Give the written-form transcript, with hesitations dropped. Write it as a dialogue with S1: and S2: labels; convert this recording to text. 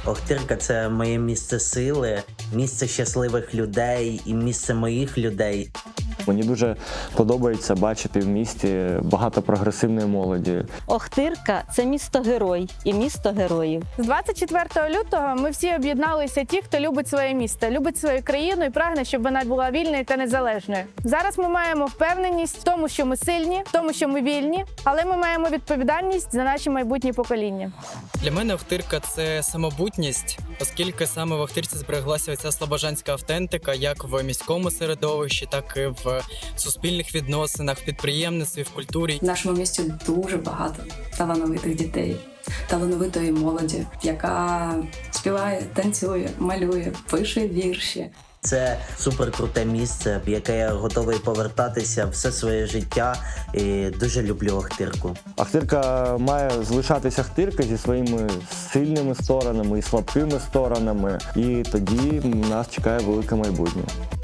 S1: Охтирка – це моє місце сили, місце щасливих людей і місце моїх людей.
S2: Мені дуже подобається бачити в місті багато прогресивної молоді.
S3: Охтирка – це місто-герой і місто героїв.
S4: З 24 лютого ми всі об'єдналися ті, хто любить своє місто, любить свою країну і прагне, щоб вона була вільною та незалежною. Зараз ми маємо впевненість в тому, що ми сильні, в тому, що ми вільні, але ми маємо відповідальність за наші майбутні покоління.
S5: Для мене Охтирка – це самобутність, оскільки саме в Охтирці збереглася ця слобожанська автентика як в міському середовищі, так і в суспільних відносинах, в підприємництві, в культурі.
S6: В нашому місті дуже багато талановитих дітей, талановитої молоді, яка співає, танцює, малює, пише вірші.
S1: Це суперкруте місце, в яке я готовий повертатися все своє життя і дуже люблю Охтирку.
S2: Охтирка має залишатися Охтирка зі своїми сильними сторонами і слабкими сторонами. І тоді нас чекає велике майбутнє.